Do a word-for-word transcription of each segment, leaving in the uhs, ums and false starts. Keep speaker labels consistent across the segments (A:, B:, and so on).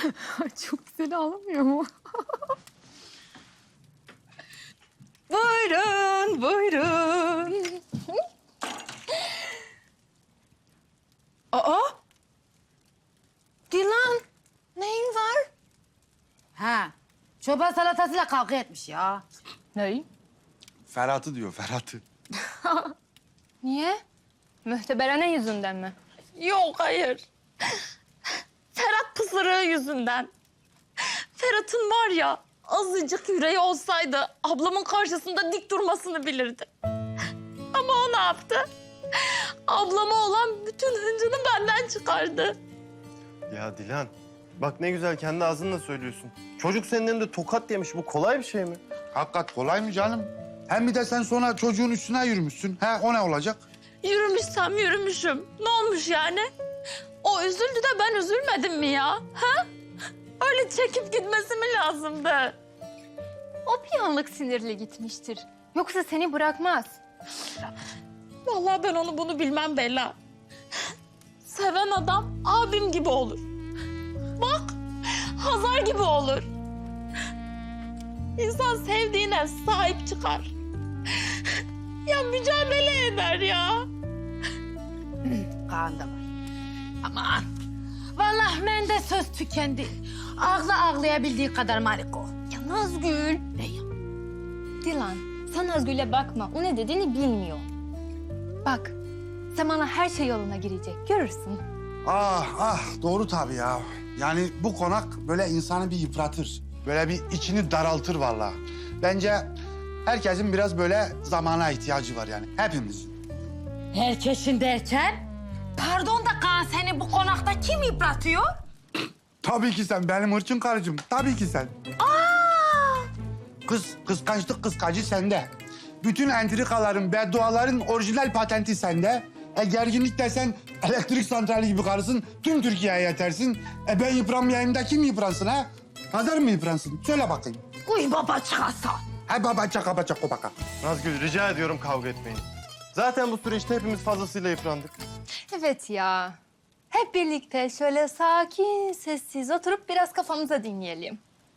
A: Çok güzel ağlamıyor mu?
B: Buyurun, buyurun. Aa! Dilan, neyin var?
C: Ha, çoban salatasıyla kavga etmiş ya.
B: Ney?
D: Ferhat'ı diyor, Ferhat'ı.
A: Niye? Mühteberene yüzünden mi?
B: Yok, hayır. Ferhat pısırığı yüzünden. Ferhat'ın var ya, azıcık yüreği olsaydı ablamın karşısında dik durmasını bilirdi. Ama o ne yaptı? Ablama olan bütün hıncını benden çıkardı.
E: Ya Dilan, bak ne güzel kendi ağzınla söylüyorsun. Çocuk senin elinde tokat yemiş. Bu kolay bir şey mi?
D: Hakikat kolay mı canım? Hem bir de sen sonra çocuğun üstüne yürümüşsün. Ha, o ne olacak?
B: Yürümüşsem yürümüşüm. Ne olmuş yani? O üzüldü de ben üzülmedim mi ya? Ha? Öyle çekip gitmesi mi lazımdı?
A: O bir anlık sinirli gitmiştir. Yoksa seni bırakmaz.
B: Vallahi ben onu bunu bilmem Bella. Seven adam abim gibi olur. Bak, Hazar gibi olur. İnsan sevdiğine sahip çıkar. Ya mücadele eder ya.
C: Kaan da var. Aman. Vallahi bende söz tükendi. Ağla ağlayabildiği kadar Mariko.
A: Ya Nazgül.
C: Ne ya?
A: Dilan, sen Nazgül'e bakma. O ne dediğini bilmiyor. Bak, zamanla her şey yoluna girecek. Görürsün.
D: Ah ah, doğru tabii ya. Yani bu konak böyle insanı bir yıpratır. Böyle bir içini daraltır vallahi. Bence herkesin biraz böyle zamana ihtiyacı var yani. Hepimizin.
C: Herkesin derken? Pardon da Kaan, seni bu konakta kim yıpratıyor?
D: Tabii ki sen benim hırçın karıcığım. Tabii ki sen.
C: Aa!
D: Kız, kıskançlık kıskacı sende. Bütün entrikaların, bedduaların orijinal patenti sende. E gerginlik desen elektrik santrali gibi karısın. Tüm Türkiye'ye yetersin. E ben yıpranmayayım da kim yıpransın ha? Hazar mı yıpransın? Söyle bakayım.
C: Uy baba çıkarsa.
D: Ha baba çaka baba çaka baka.
E: Nazgül, rica ediyorum kavga etmeyin. Zaten bu süreçte hepimiz fazlasıyla yıprandık.
A: Evet ya. Hep birlikte şöyle sakin, sessiz oturup biraz kafamıza dinleyelim.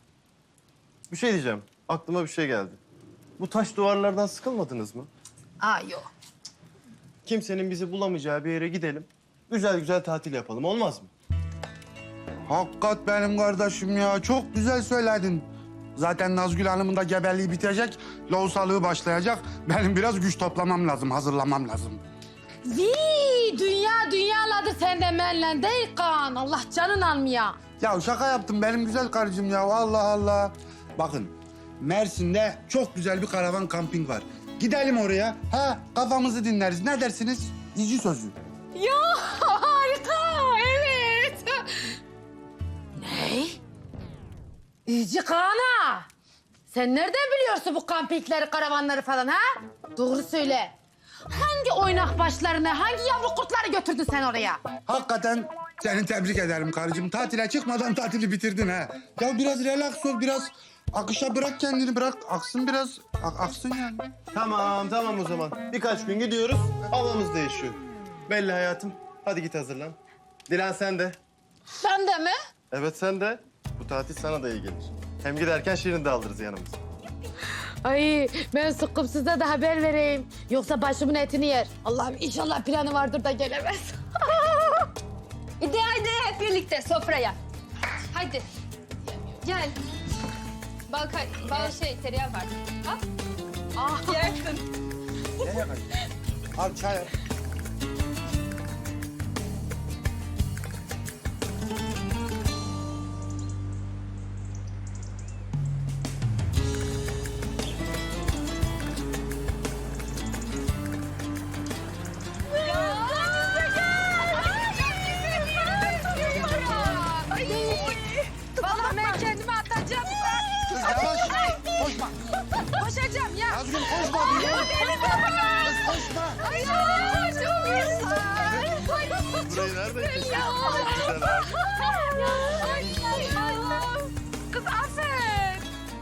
E: Bir şey diyeceğim. Aklıma bir şey geldi. Bu taş duvarlardan sıkılmadınız mı?
C: Aa yok.
E: Kimsenin bizi bulamayacağı bir yere gidelim. Güzel güzel tatil yapalım. Olmaz mı?
D: Hakikat benim kardeşim ya. Çok güzel söyledin. Zaten Nazgül Hanım'ın da gebeliği bitecek. Lohusalığı başlayacak. Benim biraz güç toplamam lazım, hazırlamam lazım.
C: Vii, dünya dünyaladı senden benle değil Kaan. Allah canın almaya.
D: Ya şaka yaptım benim güzel karıcığım ya. Allah Allah. Bakın Mersin'de çok güzel bir karavan kamping var. Gidelim oraya. Ha kafamızı dinleriz. Ne dersiniz? İyici sözü.
C: Ya harika, evet. Ne? İyici Kaan'a. Sen nereden biliyorsun bu kampikleri, karavanları falan ha? Doğru söyle. Hangi oynak başlarını, hangi yavru kurtları götürdün sen oraya?
D: Hakikaten seni tebrik ederim karıcığım. Tatile çıkmadan tatili bitirdin ha. Ya biraz relax ol, biraz akışa bırak kendini, bırak. Aksın biraz, a- aksın yani.
E: Tamam, tamam o zaman. Birkaç gün gidiyoruz. Havamız değişiyor. Belli hayatım. Hadi git hazırlan. Dilan sen de.
B: Ben de mi?
E: Evet sen de. Bu tatil sana da iyi gelir. Hem giderken Şirin de alırız yanımıza.
C: Ay ben sıkkım size de haber vereyim. Yoksa başımın etini yer. Allah'ım inşallah planı vardır da gelemez.
A: Hadi haydi hep birlikte sofraya. Haydi. Gel. Bal, kay- bal şey tereyağı var. Al. Ah. Yersin.
D: Al çay al.
C: Vallahi ben kendimi atacağım.
D: Kız yavaş. Koşma.
C: Koşacağım ya.
D: Nazgül koşma diyor. Kız koşma.
E: Burayı nereden keşfettin? Güzel abi.
C: Kız aferin.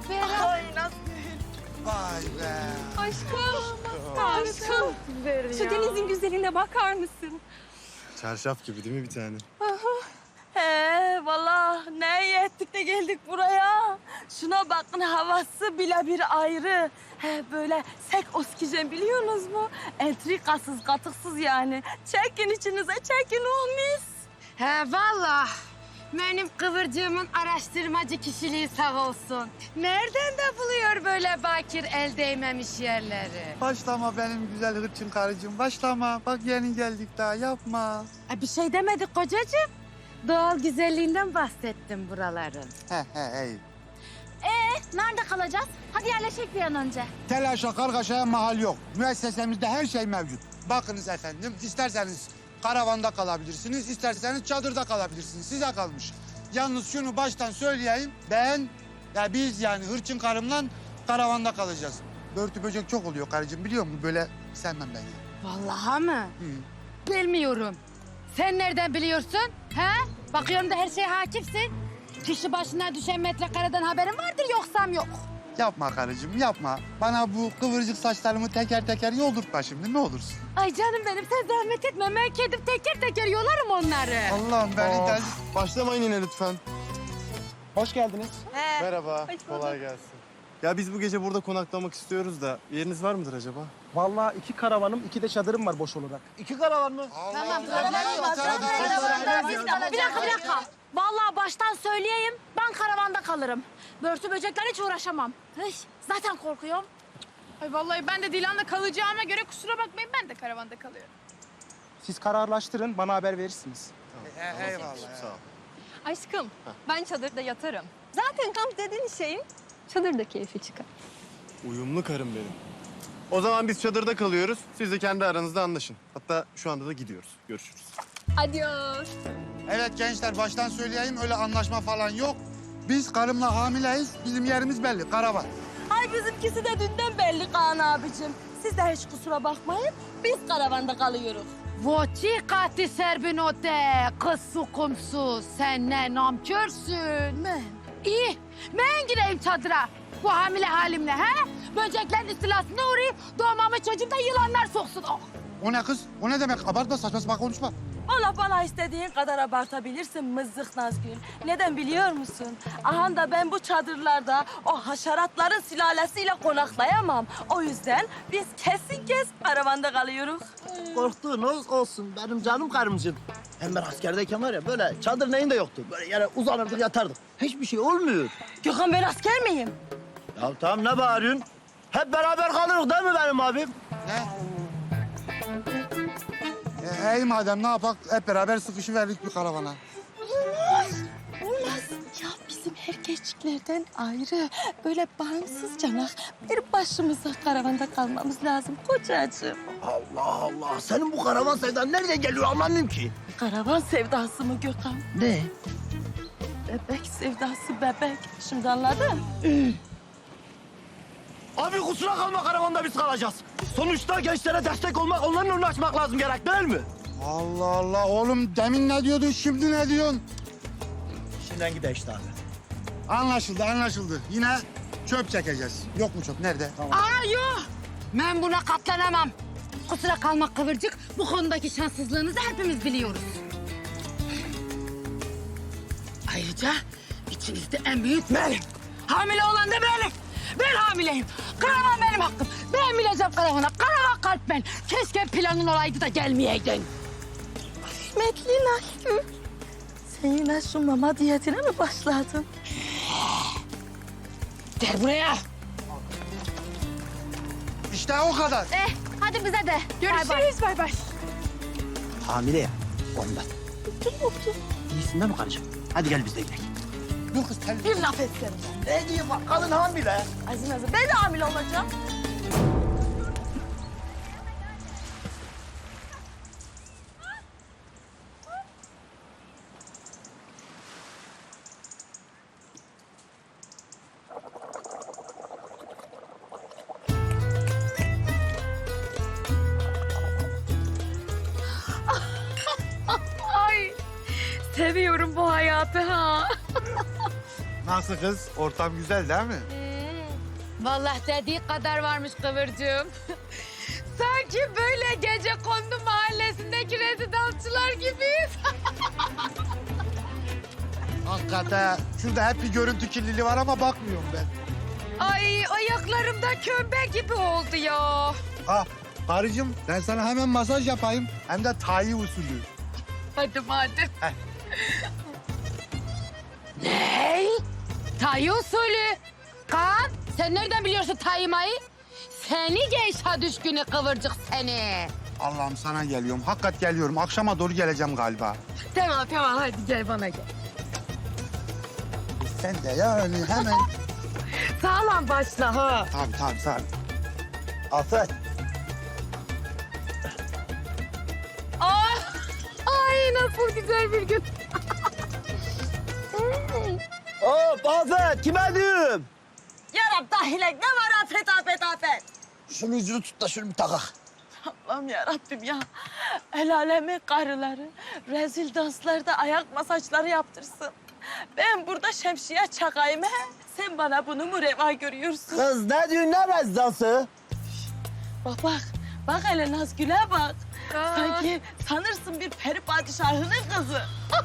D: Vay be.
A: Aşkım. Aşkım. Şu denizin güzelliğine bakar mısın?
E: Çarşaf gibi değil mi bir tane?
B: He vallahi neye ettik de geldik buraya. Şuna bakın, havası bile bir ayrı. He, böyle sek oksijen biliyorsunuz mu? Entrikasız, katıksız yani. Çekin içinize, çekin o mis.
C: He vallahi. Benim kıvırcığımın araştırmacı kişiliği sağ olsun. Nereden de buluyor böyle bakir el değmemiş yerleri?
D: Başlama benim güzel hırçın karıcığım. Başlama. Bak yeni geldik daha yapma.
C: E, bir şey demedik kocacığım. Doğal güzelliğinden bahsettim buraların.
D: He he iyi.
A: Nerede kalacağız? Hadi yerleşek bir an önce.
D: Telaşa kargaşaya mahal yok. Müessesemizde her şey mevcut. Bakınız efendim, isterseniz karavanda kalabilirsiniz, isterseniz çadırda kalabilirsiniz. Size kalmış. Yalnız şunu baştan söyleyeyim, ben, ya biz yani hırçın karımla karavanda kalacağız. Börtü böcek çok oluyor karıcığım, biliyor musun? Böyle sevmem ben ya.
C: Vallahi mı?
D: Hı.
C: Bilmiyorum. Sen nereden biliyorsun? He? Bakıyorum da her şeye hakimsin. Kişi başına düşen metrekareden haberin vardır yoksam yok.
D: Yapma karıcığım, yapma. Bana bu kıvırcık saçlarımı teker teker yoldurtma şimdi, ne olursun.
C: Ay canım benim sen zahmet etme. Ben kendim teker teker yolarım onları.
D: Allah'ım beni
E: Aa,
D: del...
E: başlamayın yine lütfen.
F: Hoş geldiniz.
E: Merhaba, kolay gelsin. Ya biz bu gece burada konaklamak istiyoruz da yeriniz var mıdır acaba?
F: Vallahi iki karavanım, iki de çadırım var boş olarak. İki karavan mı?
C: Tamam,
B: Bir dakika, bir dakika. Vallahi baştan söyleyeyim, ben karavanda kalırım. Börtü böceklerle hiç uğraşamam. Hıh, zaten korkuyorum.
G: Ay vallahi ben de Dilan'la kalacağıma göre kusura bakmayın ben de karavanda kalıyorum.
F: Siz kararlaştırın, bana haber verirsiniz.
D: Eyvallah.
E: Sağ ol.
H: Aşkım, ben çadırda yatarım. Zaten kamp dediğin şeyin çadırda keyfi çıkar.
E: Uyumlu karım benim. O zaman biz çadırda kalıyoruz. Siz de kendi aranızda anlaşın. Hatta şu anda da gidiyoruz. Görüşürüz.
H: Adios.
D: Evet gençler, baştan söyleyeyim, öyle anlaşma falan yok. Biz karımla hamileyiz, bizim yerimiz belli, karavan.
B: Ay bizimkisi de dünden belli Kaan abicim. Siz de hiç kusura bakmayın, biz karavanda kalıyoruz.
C: Voci kati serbinote, kız sukumsuz. Sen ne namkörsün.
B: Ben.
C: İyi, ben gireyim çadıra. Bu hamile halimle he? Böceklerin istilasına uğrayıp doğmamı çocuğumda yılanlar soksun. Oh.
D: O ne kız? O ne demek? Abartma, saçma sapan konuşma.
B: Valla bana istediğin kadar abartabilirsin mızık Nazgül. Neden biliyor musun? Aha da ben bu çadırlarda o haşeratların sülalesiyle konaklayamam. O yüzden biz kesin kes karavanda kalıyoruz.
I: Korktuğunuz olsun benim canım karımcığım. Hem ben askerdeyken var ya böyle çadır neyin de yoktu. Böyle yere uzanırdık yatardık. Hiçbir şey olmuyor.
B: Gökhan ben asker miyim?
I: Ya tamam ne bağırıyorsun? Hep beraber kalırız değil mi benim abim?
D: Ne? E, iyi madem, ne yapak? Hep beraber sıkışıverdik bir karavana.
B: Olmaz. Ya bizim erkeklerden ayrı böyle bağımsız canak bir başımıza karavanda kalmamız lazım kocacığım.
I: Allah Allah. Senin bu karavan sevdan nereden geliyor anlamıyorum ki.
B: Karavan sevdası mı Gökhan?
I: Ne?
B: Bebek sevdası bebek. Şimdi anladın?
I: Abi kusura kalma karavanda biz kalacağız. Sonuçta gençlere destek olmak, onların önünü açmak lazım gerek değil mi?
D: Allah Allah, oğlum demin ne diyordun, şimdi ne diyorsun?
I: İşinden gide işte abi.
D: Anlaşıldı, anlaşıldı. Yine çöp çekeceğiz. Yok mu çöp? Nerede?
C: Aa yok. Ben buna katlanamam. Kusura kalma kıvırcık. Bu konudaki şanssızlığınızı hepimiz biliyoruz. Ayrıca içinizde en büyük benim. Hamile olan da benim. Ben hamileyim. Karavan benim hakkım. Ben bileceğim karavana. Karavan kalp ben. Keşke planın olaydı da gelmeyeydin.
B: Rahmetli Nazgül. Sen yine şu mama diyetine mi başladın?
C: Gel buraya.
D: İşte o kadar.
A: Eh, hadi bize de.
G: Görüşürüz bay bay.
I: Hamile ya ondan. İyisin değil mi karıcığım? Hadi gel biz de gidelim.
D: Dur kız, tel.
B: Bir laf etsene.
I: Ne diyeyim bak kadın hamile.
B: Azim azim. Ben de hamile olacağım.
G: Ay seviyorum bu hayatı ha.
D: Nasıl kız? Ortam güzel değil mi?
C: Vallahi dediği kadar varmış kıvırcığım. Sanki böyle gece kondu mahallesindeki rezidansçılar gibiyiz.
D: Al Hakikaten şurada hep bir görüntü kirliliği var ama bakmıyorum ben.
C: Ay ayaklarımda kömbe gibi oldu ya.
D: Ha karıcığım ben sana hemen masaj yapayım. Hem de Thai usulü.
C: Hadi madem. Ne? Tay usulü. Kaan sen nereden biliyorsun taymayı? Seni geyşa düşkünü kıvırcık seni.
D: Allah'ım sana geliyorum. Hakikat geliyorum. Akşama doğru geleceğim galiba.
C: Tamam tamam hadi gel bana gel.
D: Sen de yani hemen.
C: Sağlam başla ha.
D: Tabii tabii tabii.
I: Afet.
C: Ah! Ay nasıl güzel bir gün.
I: Hop Afet kime diyorum?
B: Yarab dahilek ne var afet afet afet.
I: Şunu yüzünü tut da şunu bir takak.
B: Allah'ım yarabbim ya. El alemin karıları rezil danslarda ayak masajları yaptırsın. Ben burada şemsiye çakayım he. Sen bana bunu mu reva görüyorsun?
I: Kız ne diyorsun ne rezidansı?
B: Bak bak. Bak hele Nazgül'e bak. Sanki sanırsın bir peri padişahının kızı.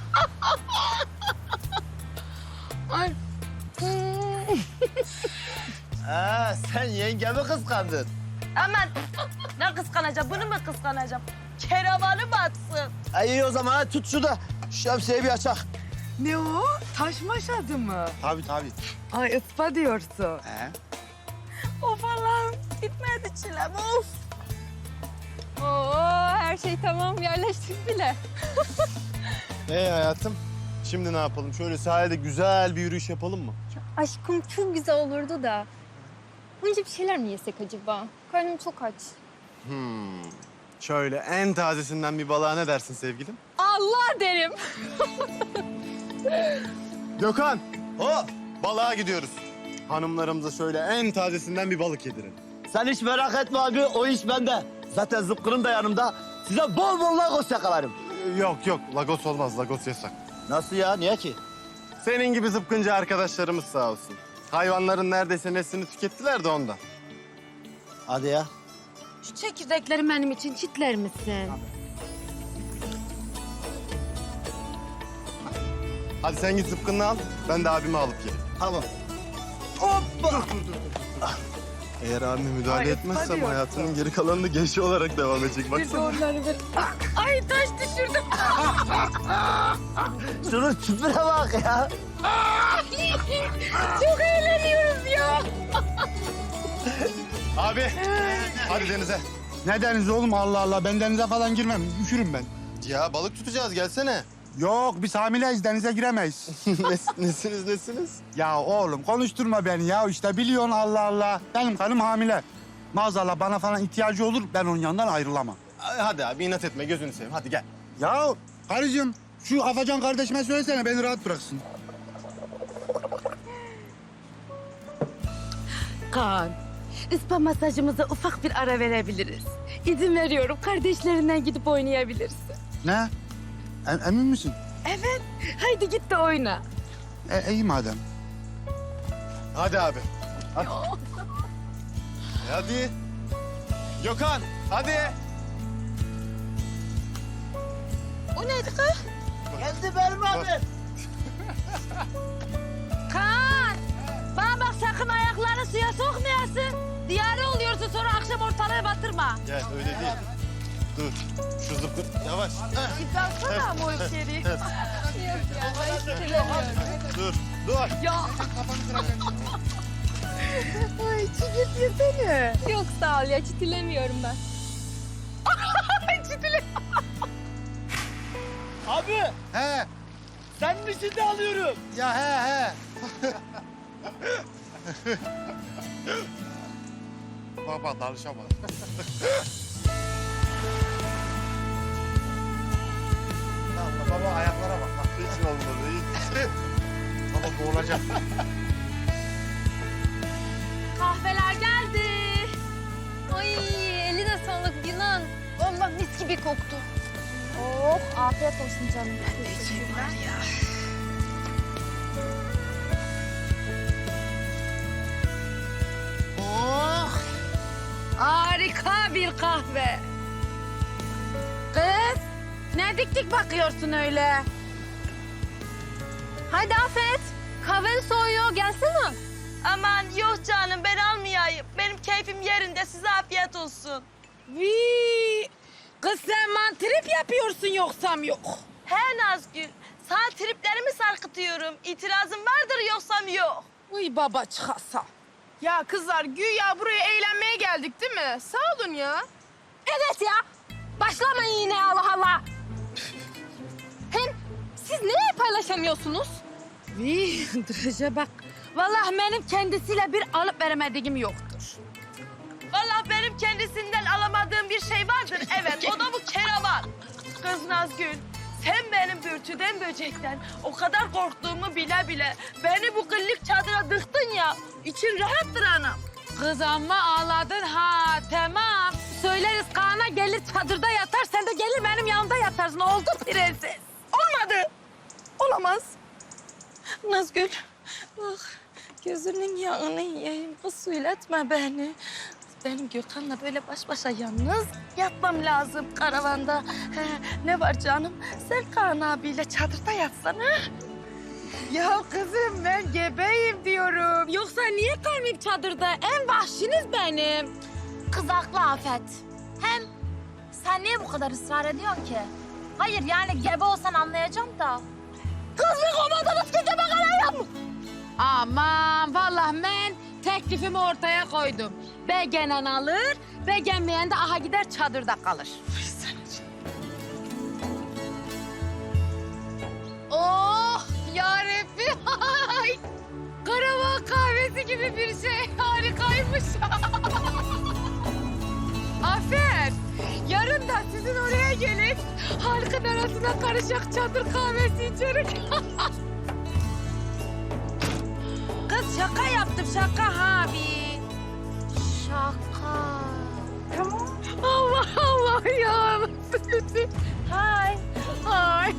C: Ay.
I: Ha, sen yengemi kıskandın.
B: Aman ne kıskanacağım bunu mu kıskanacağım? Keravanı batsın.
I: Ay iyi o zaman hadi tut şu da şemsiyeyi bir açak.
C: Ne o? Taş maşadı mı?
D: Tabii tabii.
C: Ay ıspa diyorsun.
D: He?
B: Of Allah'ım bitmedi çilem of.
H: Oo, her şey tamam yerleştik bile.
E: Hey hayatım. Şimdi ne yapalım? Şöyle sahilde güzel bir yürüyüş yapalım mı?
A: Aşkım çok güzel olurdu da. Önce bir şeyler mi yesek acaba? Karnım çok aç.
E: Hmm. Şöyle en tazesinden bir balığa ne dersin sevgilim?
H: Allah derim.
E: Gökhan. Hop. Balığa gidiyoruz. Hanımlarımıza şöyle en tazesinden bir balık yedirin.
I: Sen hiç merak etme abi o iş bende. Zaten zıpkırım da yanımda. Size bol bol lagos yakalarım.
E: Ee, Yok yok. Lagos olmaz. Lagos yasak.
I: Nasıl ya niye ki?
E: Senin gibi zıpkıncı arkadaşlarımız sağ olsun. Hayvanların neredeyse neslini tükettiler de ondan.
I: Hadi ya.
C: Şu çekirdekleri benim için çitler misin?
E: Hadi sen git zıpkınını al. Ben de abimi alıp geleyim.
I: Tamam. Hoppa.
E: Eğer abime müdahale etmezsem hayatının geri kalanını genç olarak devam edecek. Baksana.
C: Ay taş düşürdüm.
I: Şunun tipine bak ya.
C: Çok eğleniyoruz ya.
E: Abi. Hadi denize.
D: Ne deniz oğlum Allah Allah. Ben denize falan girmem. Üşürüm ben.
E: Ya balık tutacağız gelsene.
D: Yok biz hamileyiz denize giremeyiz.
E: Nes, nesiniz nesiniz?
D: Ya oğlum konuşturma beni ya işte biliyorsun Allah Allah. Benim karım hamile. Maazallah bana falan ihtiyacı olur ben onun yanından ayrılamam.
E: Hadi abi inat etme gözünü seveyim hadi gel.
D: Ya karıcığım şu Afacan kardeşime söylesene beni rahat bıraksın.
C: Kaan, ıspa masajımıza ufak bir ara verebiliriz. İzin veriyorum, kardeşlerinden gidip oynayabilirsin.
D: Ne? E- emin misin?
C: Evet, haydi git de oyna.
D: E, iyi madem.
E: Hadi abi. Hadi. E, hadi. Gökhan hadi.
B: O neydi kız?
I: Geldi benim abi.
C: Kaan, bana bak sakın ayaklarını suya sokmayasın. Diyare oluyorsun sonra akşam ortalığı batırma.
E: Gel öyle değil. Dur. Şu zıpkın yavaş. Heh,
C: İzlansana ama o içeri.
E: dur. Dur.
C: Ay çiğit yesene.
A: Yok sağ ol ya çitilemiyorum ben.
I: Abi
D: He.
I: sen misin de alıyorum.
D: Ya he he. Baba dalışamaz. Baba ayaklara bak. bak.
E: Hiç olmadı hiç.
D: Baba boğulacak.
A: Kahveler geldi. Ay eline sağlık Yunan. Vallahi mis gibi koktu. Oh afiyet olsun canım.
C: Oh, harika bir kahve. Kız, ne dik dik bakıyorsun öyle?
A: Haydi Afet. Kahven soğuyor. Gelsene.
B: Aman yok canım ben almayayım. Benim keyfim yerinde size afiyet olsun.
C: Vii. Kız sen mantrip yapıyorsun yoksam yok.
B: He Nazgül. Sana triplerimi sarkıtıyorum. İtirazın vardır yoksam yok.
C: Uy baba çıkasa.
G: Ya kızlar güya buraya eğlenmeye geldik değil mi? Sağ olun ya.
A: Evet ya. Başlamayın yine Allah Allah. Hem siz neye paylaşamıyorsunuz?
C: Vii duraca bak. Vallahi benim kendisiyle bir alıp veremediğim yoktur.
B: Vallahi benim kendisinden alamadığım bir şey vardır. Evet o da bu keravan. Kız Nazgül. Sen benim börtüden böcekten o kadar korktuğumu bile bile beni bu kıllık çadıra dıktın ya. İçin rahattır anam.
C: Kız amma ağladın ha tamam. Söyleriz Kaan'a gelir çadırda yatar sen de gelir benim yanımda yatarsın oldu prenses.
B: Olmadı. Olamaz. Nazgül bak gözünün yağını yiyeyim. Kız söyletme beni. Benim Gökhan'la böyle baş başa yalnız yatmam lazım karavanda. He, ne var canım? Sen Kaan abiyle çadırda yatsana.
C: Ya kızım ben gebeyim diyorum. Yoksa niye kalmayayım çadırda? En vahşiniz benim.
A: Kız haklı Afet. Hem sen niye bu kadar ısrar ediyorsun ki? Hayır yani gebe olsan anlayacağım da. Kız bir komadınız ki gebe kalayım.
C: Aman vallahi ben teklifimi ortaya koydum. Begenen alır, beğenmeyen de aha gider çadırda kalır. Oh yarabbi. Karavan kahvesi gibi bir şey. Harikaymış. Afet, yarın da sizin oraya gelip halkın arasına karışık çadır kahvesi içerik. Kız şaka yaptım şaka abi.
A: Şaka.
C: Tamam. Allah Allah ya. Hay. Hay.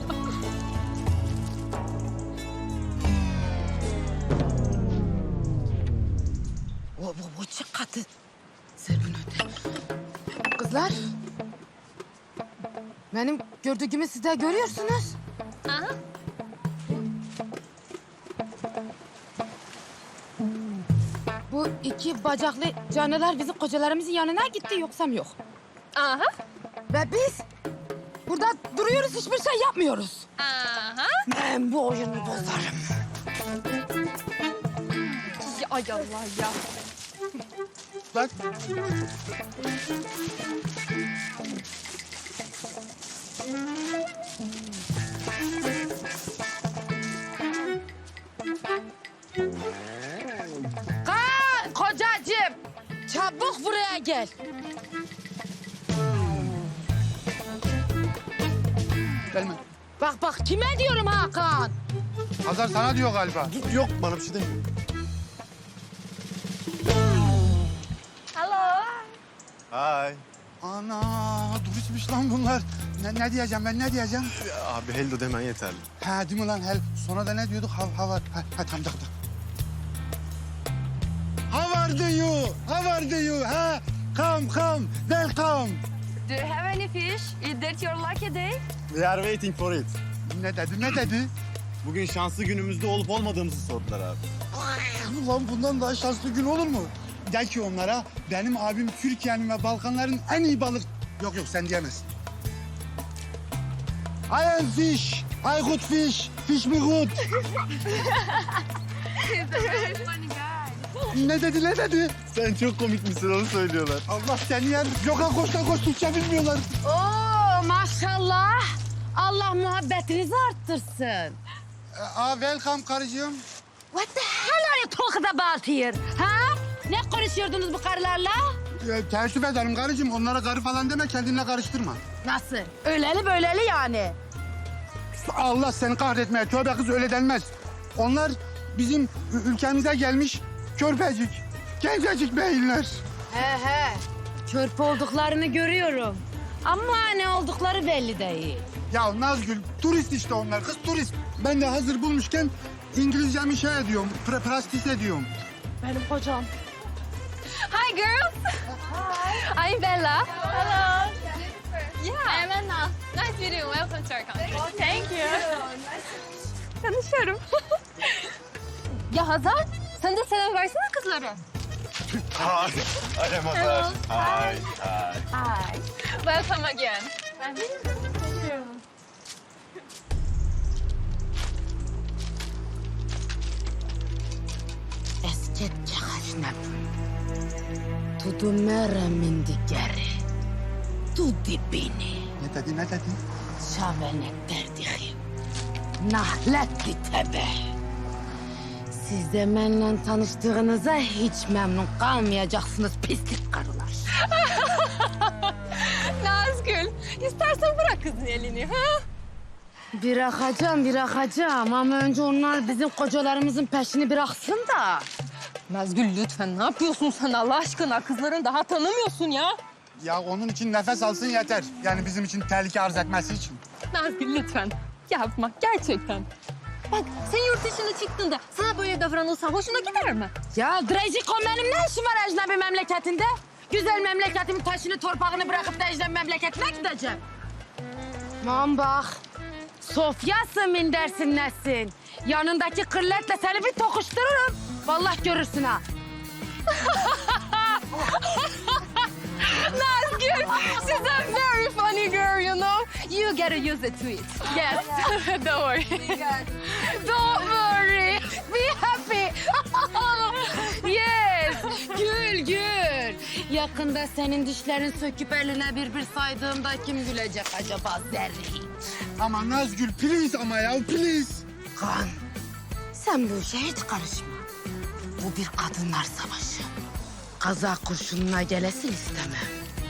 C: O bu bu çıktı. Sen bunu öde. Kızlar. Benim gördüğümü siz de görüyorsunuz.
A: Aha.
C: Bu iki bacaklı canlılar bizim kocalarımızın yanına gitti yoksam yok.
A: Aha.
C: Ve biz burada duruyoruz hiçbir şey yapmıyoruz.
A: Aha.
C: Ben bu oyunu bozarım.
A: Ya, ay Allah ya.
D: Bak.
C: Kaan kocacığım çabuk buraya gel.
D: Gelme.
C: Bak bak kime diyorum Hakan?
D: Hazar sana diyor galiba.
E: Dur, yok bana bir şey demiyor.
A: Hello.
E: Hay.
D: Ana turistmiş lan bunlar. Ne, ne diyeceğim ben ne diyeceğim?
E: Ya abi hello demen yeterli.
D: Ha değil mi lan hel? Sonra da ne diyorduk? How, how are... Ha, ha tamam tamam. How are you? How are you? Ha? Come come. Welcome.
H: Do you have any fish? Is that your lucky day?
E: We are waiting for it.
D: Ne dedi ne dedi?
E: Bugün şanslı günümüzde olup olmadığımızı sordular abi.
D: Ulan bundan daha şanslı gün olur mu? De ki onlara benim abim Türkiye'nin ve Balkanların en iyi balık... Yok yok sen diyemezsin. I am fish. I good fish. Fish me good. Ne dedi ne dedi?
E: Sen çok komik misin onu söylüyorlar.
D: Allah seni yer. Yok ha koş da koş Türkçe bilmiyorlar.
C: Oo maşallah. Allah muhabbetinizi arttırsın.
D: Aa welcome karıcığım.
C: What the hell are you talking about here? Ha? Ne konuşuyordunuz bu karılarla?
D: Ee, teessüf ederim karıcığım. Onlara karı falan deme kendinle karıştırma.
C: Nasıl? Öyleli böyleli yani.
D: Allah seni kahretmeye. Tövbe kız öyle denmez. Onlar bizim ü- ülkemize gelmiş körpecik, gencecik beyinler.
C: He he. Körp olduklarını görüyorum. Ama ne oldukları belli değil.
D: Ya Nazgül turist işte onlar kız turist. Ben de hazır bulmuşken İngilizcemi şey ediyorum, pra prastis ediyorum.
C: Benim kocam.
A: Hi girls. Hi. I'm Bella. Hello. Yeah. I'm Anna. Nice meeting you. Welcome to our country. Thank you.
H: Tanışıyorum.
A: Ya Hazar, sen de selam versene kızlara.
E: Hi. I'm Hazar. Hi. Hi.
A: Hi. Welcome again.
C: Esket çakaşnap. Tudu meremin digeri. Tudi beni.
D: Ne dedi ne dedi?
C: Şavenet derdihim. Nahletti tebe. Siz de benimle tanıştığınıza hiç memnun kalmayacaksınız pislik karılar.
H: Nazgül, istersen bırak kızın elini. Ha?
C: Bırakacağım, bırakacağım ama önce onlar bizim kocalarımızın peşini bıraksın da.
H: Nazgül lütfen ne yapıyorsun sen Allah aşkına? Kızların daha tanımıyorsun ya.
D: Ya onun için nefes alsın yeter. Yani bizim için tehlike arz etmesi için.
H: Nazgül lütfen yapma gerçekten. Bak sen yurt dışına çıktığında sana böyle davranılsa hoşuna gider mi?
C: Ya Drejiko benim ne işim var ecnebi memleketinde? Güzel memleketimin taşını torpağını bırakıp da ecnebi memleketine gideceğim. Aman bak. Sofyasın min dersin nesin? Yanındaki kırletle seni bir tokuştururum. Vallahi görürsün ha.
H: Nazgül, she's a very funny girl, you know. You gotta use it to it. Yes, don't worry.
C: Don't worry. Be happy. Yes. Gül gül. Yakında senin dişlerin söküp eline bir bir saydığımda kim gülecek acaba Zerrin?
D: Ama Nazgül please ama ya please.
C: Kan, sen bu işe hiç karışma. Bu bir kadınlar savaşı. Kaza kurşununa gelesin istemem.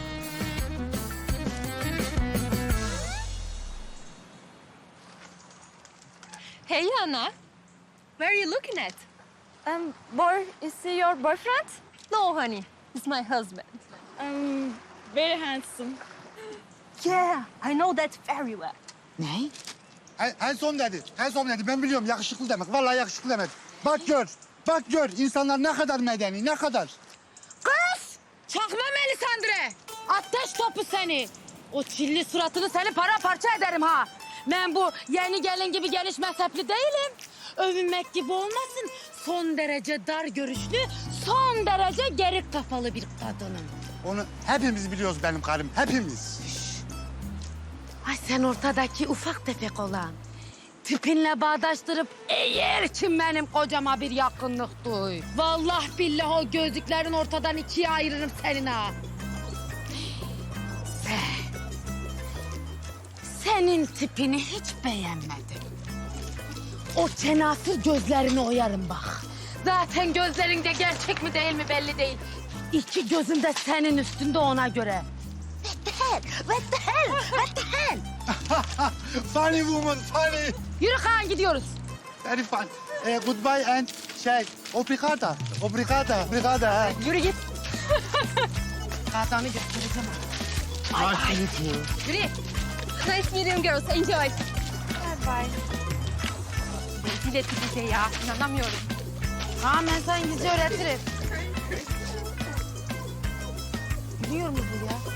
H: Hey Anna, where are you looking at?
A: Um, boy, is he your boyfriend?
H: No honey, it's my husband.
A: Um, very handsome.
H: Yeah, I know that very well.
C: Ne?
D: En, en son dedi. En son dedi. Ben biliyorum yakışıklı demek. Vallahi yakışıklı demek. Bak gör. Bak gör. İnsanlar ne kadar medeni, ne kadar.
C: Kız! Çakma Melisandre! Ateş topu seni! O çilli suratını seni paramparça ederim ha! Ben bu yeni gelin gibi geniş mezhepli değilim. Övünmek gibi olmasın. Son derece dar görüşlü, son derece geri kafalı bir kadınım.
D: Onu hepimiz biliyoruz benim karım. Hepimiz.
C: Ay sen ortadaki ufak tefek olan. Tipinle bağdaştırıp eğer ki benim kocama bir yakınlık duy. Vallahi billahi o gözlüklerin ortadan ikiye ayırırım senin ha. Sen, senin tipini hiç beğenmedim. O çenasız gözlerini oyarım bak. Zaten gözlerinde gerçek mi değil mi belli değil. İki gözüm de senin üstünde ona göre. What the hell? What the hell? What the hell?
D: Funny woman, funny.
C: Yürü Kaan gidiyoruz.
D: Very fun. Eh, goodbye and şey, obrigada. Obrigada, obrigada. ha.
C: Yürü git. Adamı göstereceğim. Ay, ay. Yürü.
H: Nice meeting girls, enjoy.
A: Bye bye.
H: Rezil etti bize ya, inanamıyorum.
C: Kaan ben sana İngilizce öğretirim. Biliyor mu bu ya?